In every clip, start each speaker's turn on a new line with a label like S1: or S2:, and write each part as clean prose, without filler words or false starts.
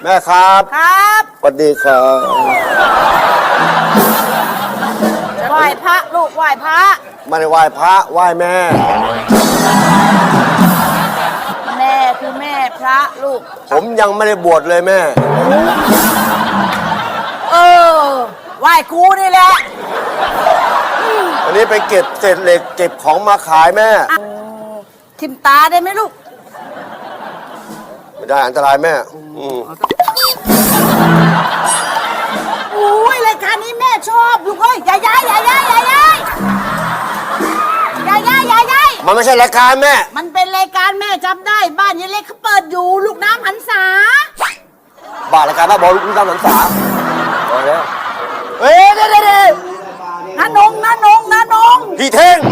S1: แม่ครับ
S2: ครับ
S1: สวัสดีครับ
S2: ไหว้พระลูกไหว้พระ
S1: ไม่ได้ไหว้พระไหว้แม่
S2: แม่คือแม่พระลูก
S1: ผมยังไม่ได้บวชเลยแม่
S2: ไหว้ครูนี่แหละ
S1: วันนี้ไปเก็บเศษเหล็กเก็บของมาขายแม่
S2: ทิมตาได้ไหมลูก
S1: ไม่ได้อันตรายแม่
S2: อุ้ยรายการนี้แม่ชอบลูกเอ้ยอย่าย้าย
S1: มันไม่ใช่รายการแม่
S2: มันเป็นรายการแม่จำได้บ้านยายเล็กเขาเปิดอยู่ลูกน้ำหันษา
S1: บ้านรายการบ้าบอลูกน้ำหันษาพอแล้วเฮ้ยเด็ด
S2: น้านง
S1: พี่เท่ง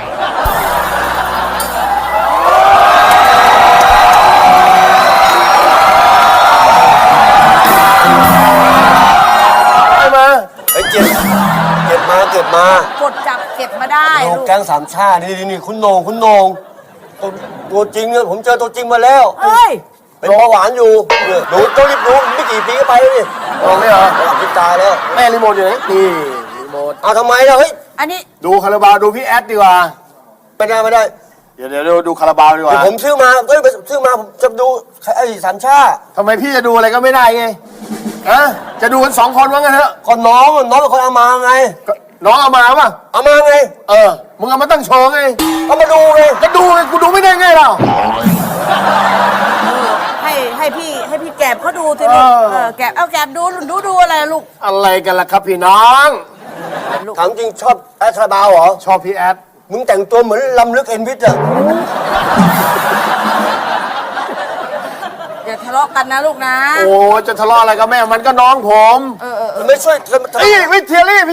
S1: มาไอ้เก็บมาก
S2: ดจับเก็บมาได้
S1: ลูกแก๊งสามชาตินี่คุณโหนงตัวจริงเนี่ยผมเจอตัวจริงมาแล้วเป็นเบาหวานอยู่ดูต้องรีบดูไม่กี่ปีก็ไปเลยลองไม่เหรอพิจารแล้วแม่รีโมทอยู่ไหนนี่รีโมทเอาทำไมล่ะเฮ้ย
S2: อันนี้
S3: ดูคาราบาวดูพี่แอดดีกว่า
S1: ไม่ได้
S3: เดี๋ยวดูคาราบาวดีกว่า
S1: ผมซื้อมาผมจะดูไอ้สามชาติ
S3: ทำไมพี่จะดูอะไรก็ไม่ได้ไงจะดูกัน2 คนว่างั้นเถอะ
S1: คนน้องเป็นคนเอามาไง
S3: น้องเอามาป่ะ
S1: เอามาไง
S3: มึงเอามาตั้งโชว์ไง
S1: เอามาดูไง
S3: ก็ดูไงกูดูไม่ได้ไงเรา
S2: ให้พี่แกบเขาดูทีนี้แกบดูอะไรลูก
S3: อะไรกันล่ะครับพี่น้อง
S1: ถามจริงชอบแอดคาราบาวเหรอ
S3: ชอบพี่แอด
S1: มึงแต่งตัวเหมือนลำลึกเอ็นวิทย์อะ
S2: อย่าทะเลาะกันนะลูกนะ
S3: โอ้จะทะเลาะอะไรกับแม่มันก็น้องผม
S1: ไม่ช่วย
S3: วิเทลี่เป็น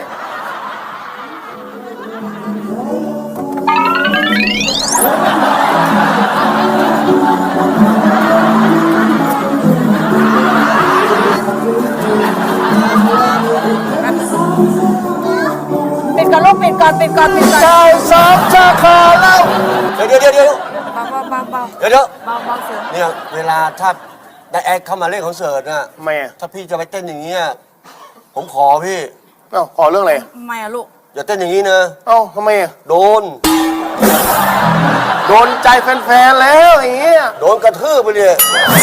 S2: ก่อน
S3: ใจสองชาคาแล้ว
S1: เดี๋ยว
S2: เบาเสือ
S1: เนี่ยเวลาถ้าได้แอดเข้ามาเล่นคอนเสิร์ตน่ะ
S3: ไม่
S1: ถ้าพี่จะไปเต้นอย่างเงี้ยผมขอพี่
S3: ขอเรื่องอะไร
S2: ทำไมอะลูก
S1: อย่าเต้นอย่างนี้นะ
S3: ทำไม
S1: โด
S3: นใจแฟนๆแล้วอย่างเงี้ย
S1: โดนกระทืบไปเลย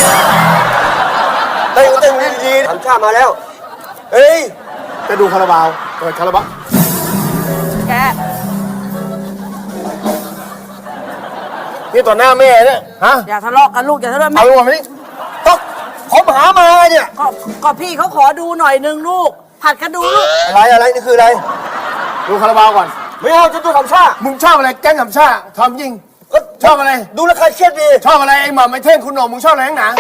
S1: เต้นดีๆทำชาติมาแล้วเฮ้ย
S3: จะดูคาราบาวเปิดคาราบาว
S2: แก
S3: นี่ต่อหน้าแม่เนี่ย
S2: อย่าทะเลาะกันลูกอย่าทะเลาะ
S3: เอาลูกมาดิ
S1: ต้องผมหามาเนี่ย
S2: ก็พี่เขาขอดูหน่อยนึงลูกผัดกันดูลูก
S1: อะไรนี่คืออะไร
S3: ดูคาราบาวก่อน
S1: ไม่เอาจะดูทำชา
S3: มึงชอบอะไรแก๊งทำชาทำยิง
S1: ก็
S3: ชอบอะไร
S1: ดูแล้วใครเครียดดี
S3: ชอบอะไรไอ้หม่ำไอ้เท่งคุณหนุ่มมึงชอบอะไรนักหนา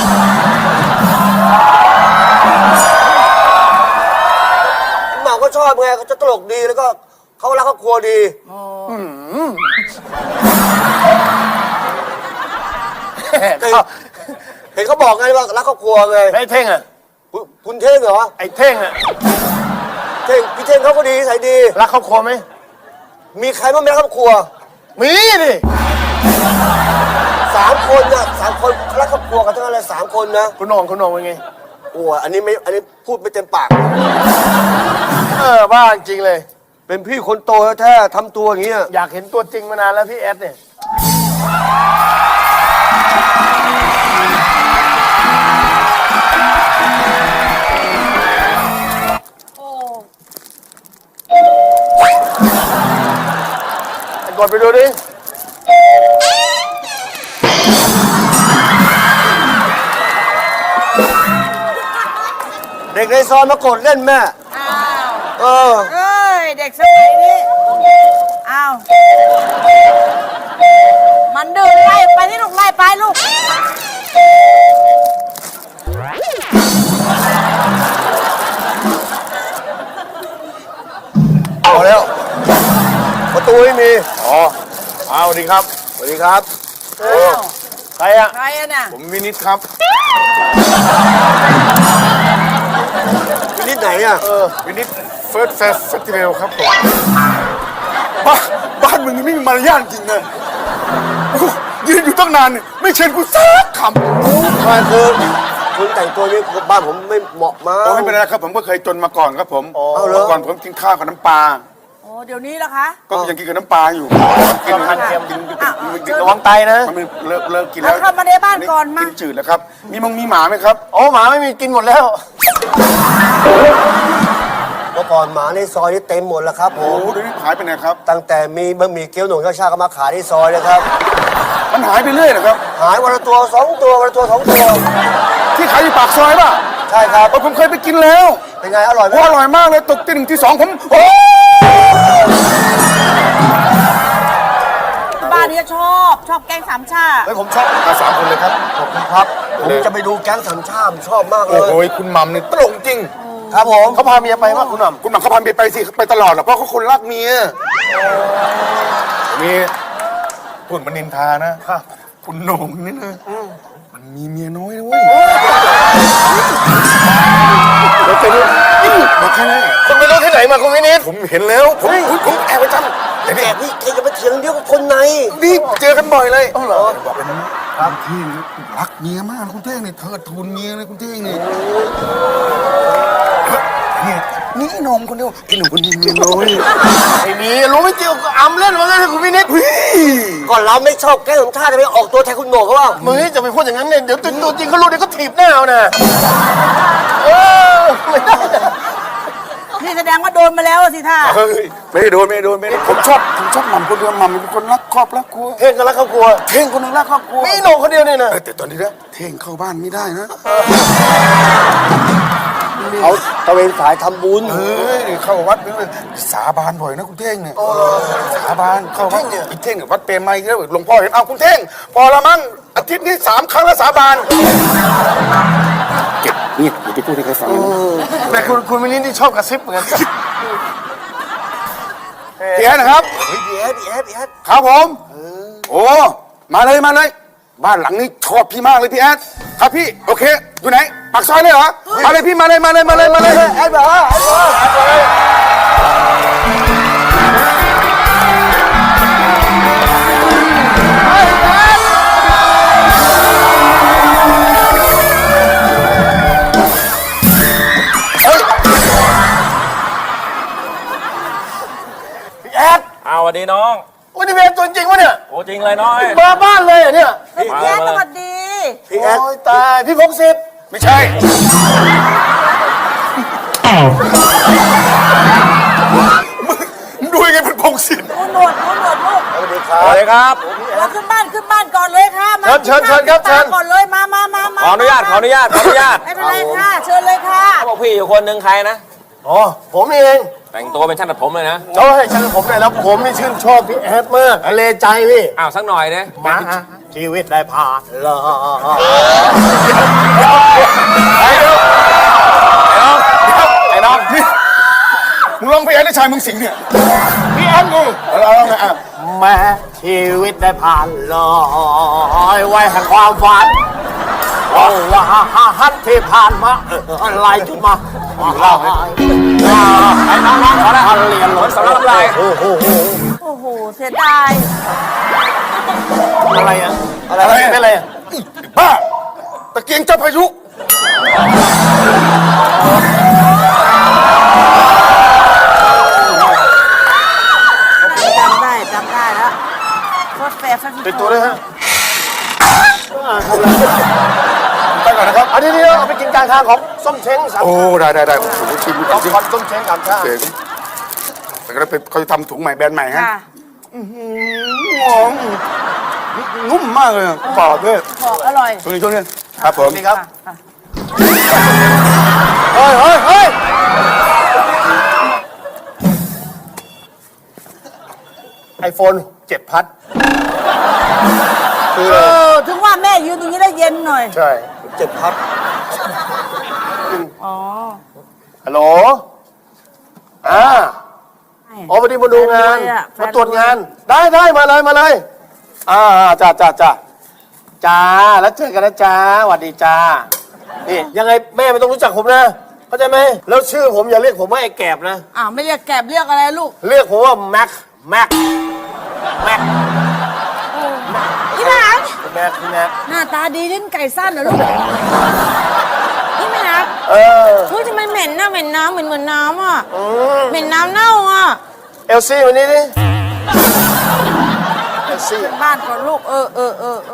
S1: หม่ำก็ชอบไงเขาจะตลกดีแล้วก็เขารักครอบครัวดีเห็นเขาบอกไงว่ารักครอบครัวไง
S3: ไอ้เท่งอ่ะ
S1: คุณเท่งเหรอ
S3: ไอ้เท่งอ่ะ
S1: พี่เท่งเขาก็ดีใส่ดี
S3: รักครอบครัวไหม
S1: มีใครบ้างไม่รักครอบครัว
S3: มีดิ
S1: 3 คนนะ3 คนรักครอบครัวกันทั้งนั้นเลย3 คนนะ
S3: คุณหน่องเป็นไง
S1: โอ้อันนี้พูดไม่เต็มปาก
S3: บ้าจริงเลย
S1: เป็นพี่คนโตแท้ทำตัวอย่างเงี้ย
S3: อยากเห็นตัวจริงมานานแล้วพี่แอดเนี่ยกดไปดูดิ
S1: เด็กในซอยมากดเล่นแม่
S2: เด็กสมัยนี้มันดื้อไล่ไปที่ลูกไล่ไปลูก
S1: เอาแล้วประตูไม่มี
S3: สวัสดีครับ
S1: สวัสดีครับ
S3: ใครอะ
S2: น่ะ
S3: ผมวินิตครับ
S1: วินิตไหนอะ
S3: วินิตเฟิร์สเฟสติวัลครับผมบ้านมึงนี่ไม่มีมารยาทจริงเลยยืนอยู่ตั้งนานไม่เชิญกูสักคำ
S1: คือคุณแต่งตัวนี้บ้านผมไม่เหมาะมา
S4: โอ้ไม่เป็นไรครับผมก็เคยจนมาก่อนครับผม
S1: เอาเหรอ
S4: เมื่อก่อนผมกินข้าวกับน้ำปลา
S2: โอ้เดี๋ยวนี้ล่ะคะ
S4: ก็ยังกินกับน้ำปลาอยู่กิน
S3: ทานเค็ม
S4: กิน
S3: ระวังไตนะ
S4: มันเลิกกินแล้ว
S2: เข้ามาในบ้านก่อนมา
S4: กินจืดแล้วครับมีหมาไหมครับ
S3: โอ้หมาไม่มีกินหมดแล้ว
S1: เมื่อก่อนหมาในซอยนี่เต็มหมดแล้วครับผ
S4: โอ้
S1: ม
S4: เดี๋ยวนี้หายไปไหนครับ
S1: ตั้งแต่มีบะหมี่เกี๊ยวหนุ่มข้าวชาก็มาขายที่ซอยเลยครับ
S4: มันหายไปเรื่อยนะครับ
S1: หายวันละตัว2 ตัววันละตัว2 ตัว
S4: ที่ขายอยู่ปากซอยป่ะ
S1: ใช่ครับ
S4: ผมเคยไปกินแล้ว
S1: เป็นไงอร่อยไหม
S4: โอ้อร่อยมากเลยตกตี 1 ตี 2ผมโอ้
S2: บ้านนี้ชอบแกงสามชา
S1: เฮ้ยผมชอบ
S4: มา3 คนเลยครับ
S1: ขอบคุณครับ ผมจะไปดูแก๊งสามชาติชอบมากเล
S4: โอ้
S1: ย
S4: โหคุณหมัมนี่ตลกจริง
S1: ครับผม
S3: เขาพาเมียไปว่าคุณหม่
S4: คุณหมัมเขาพาเมียไปสิไปตลอดหรอกเพราะเขาคนรักเมียมีพูดมันนินทานะคุณโหน่งนี่นะมันมีเมียน้อยนะเว้ยเราจะรู้บอกแค่นี้
S3: ำคุณไปรู้ที่ไหนมาคุณวินิต
S4: ผมเห็นแล้วผมแอบไปจำแต่
S1: แก
S4: นี่
S1: พี่แกจะมาเถียงเดียวกับคนใน
S4: นี่เจอกันบ่อยเลย
S3: อ๋อเหรอ
S4: บอกเลยนะครับคุณเท่งรักเมียมากคุณเท่งเนี่ยเทิดทูนเมียเลยคุณเท่งเนี่ยเนี่ยนี่หนมคนเดียวไอ้หนุ่มคนนี้เมียน้อย
S3: ไอ้นี่รู้ไม่เกี่ยวกับอำเล่นว่างั้นนะคุณวินิต
S1: ก่อนเราไม่ชอบแก๊งสามชาติจะไปออกตัวแทนคุณโหน่งเขาว่า
S3: มึงนี่จะไปพูดอย่างนั้นเนี่ยเดี๋ยวตัวจริงเขารู้เดี๋ยวก็ถีบหน้าเอานะไม่ได้นะ
S2: นี่แสดงว่าโดนมาแล้วสิท่า
S4: เฮ้ยไม่ได้โดนผมชอบหม่ำคนเดียวหม่ำเป็นคนรักครอบรักครัว
S3: เท่งกันแล้วครอบครัว
S4: เท่งคนหนึงรักครอบครัว
S3: มีโหน่งคนเดียวเนี่ยนะ
S4: แต่ตอนนี้นะเท่งเข้าบ้านไม่ได้นะ
S1: เขาตะเวนสายทำบุญ
S4: เฮ้ยเข้าวัดเนี่ยสาบานบ่อยนะคุณเท่งเนี่ยสาบานเข้าวัดเนี่ยเท่งเนี่ยวัดเปรมไมยแล้วหลวงพ่อเห็นเอาคุณเท่งพอละมั้งอาทิตย์นี้3 ครั้งแล้วสาบานเก็บเงียบอย่าไปพูดให้ใครฟังนะ
S3: แต่คุณวินิตที่ชอบกระซิบเหมือนกัน
S4: พี่แอดนะครับ
S1: เฮ้ยพี่แอด
S4: ครับผมโอ้มาเลยบ้านหลังนี้ชอบพี่มากเลยพี่แอดครับพี่โอเคอยู่ไหนปากซอยเลยเหรอมาเลยพี่มาเลย
S1: แอดบอกว่า
S3: แอด
S5: เอาสวัสดีน้อง
S3: วันนี้เป็นตัวจริงวะเนี่ย
S5: โอ้จริงเลยน้อย
S3: มาบ้านเลยเหรอเนี่ย
S2: พี่แจ๊สสวัสดี
S1: พี่แอด
S3: โอ้ยตายพี่พงศิษฐ์
S4: ไม่ใช่ มึงดูยังไงเป็นพงศิษฐ์
S2: หนวดลูก
S1: สวัสดีครั
S5: สวัสดีครับ
S2: เราขึ้นบ้านก่อนเลยค่ะมา
S3: เชิญครับเชิญ
S2: ก่อนเลยมา
S5: ขออนุญาต
S2: ไม่เป็นไรค่ะเชิญเลยค่ะ
S5: เขาบอกพี่อยู่คนหนึ่งใครนะ
S3: อ๋อผมนี่เอง
S5: แต่งตัวเป็นช่างตัดผมเลยนะ
S3: เขาให้ฉันผมหน่อยแล้วผมนี่ชื่นชอบพี่แอดมากเลใจพี่
S5: อ้าวสักหน่อยเนี่ย
S3: มาชีวิตได้ผ่านเลย
S5: ไอ้น้อง
S4: นี่มึงร้องเพลงได้ชายมึงสิงเนี่ย
S3: พี่แอดนี่
S4: เอาไงอ่ะ
S3: แม้ชีวิตได้ผ่านเลยไว้แห่งความฝันว่าฮัทที่ผ่านมาอะไรจุดมาไอ้น้องๆขอได้เรียนหลง
S5: สำหรับอะไร
S3: โอ้โห
S2: โอ้โหเสียดาย
S3: อะไรอ่ะอะไรเป็นอะไรอ่ะ
S4: บ้าตะเกียงเจ้าพายุ
S2: จำได้แล้วโคตรแฟร์
S3: เป็นตัวด้วยฮะ
S4: ไปก่อนนะครับ
S3: อันนี้เอาไปกินกลางทางของส้มเช้งสาม
S4: โอ้ได้ผมจะชิม
S3: ของคอนส้มเช้งสามชาติ
S4: เจ๋งแต่ก็เป็นเขาจะทำถุงใหม่แบรนด์ใหม่ฮะ
S2: ค่ะ
S4: นุ่มมากเลยกรอบด้วย
S2: บอกอร่อย
S4: ช่วงนี้ครับผม
S3: นี่ครับเฮ้ยไอโฟน7 พัดคือ
S2: ถึงว่าแม่ยืนตรงนี้ได้เย็นหน่อย
S3: ใช่
S1: 7 พัด
S2: อ๋อ
S3: ฮัลโหลอ๋อพอดีมาดูงาน มาตรวจงาน ได้มาเลยจ้าแล้วเจอกันนะจ้าสวัสดีจ้านี่ยังไงแม่ไม่ต้องรู้จักผมนะเข้าใจไหมแล้วชื่อผมอย่าเรียกผมว่าไอ้แกบนะ
S2: อ้าวไม่เรียกแกบเรียกอะไรลูก
S3: เรียกผมว่าแม็ก
S2: พี่หลาน
S3: แม็ก
S2: หน้าตาดีลิ้นไก่สั้นเหรอลูกนนะเหม็นน้ำเหมือนน้ำอ่ะเหม็นน้ำเน่าอ่ะ
S3: เอลซี่วันนี้ดิเอลซี่
S2: บ้านก่อนลูกเออ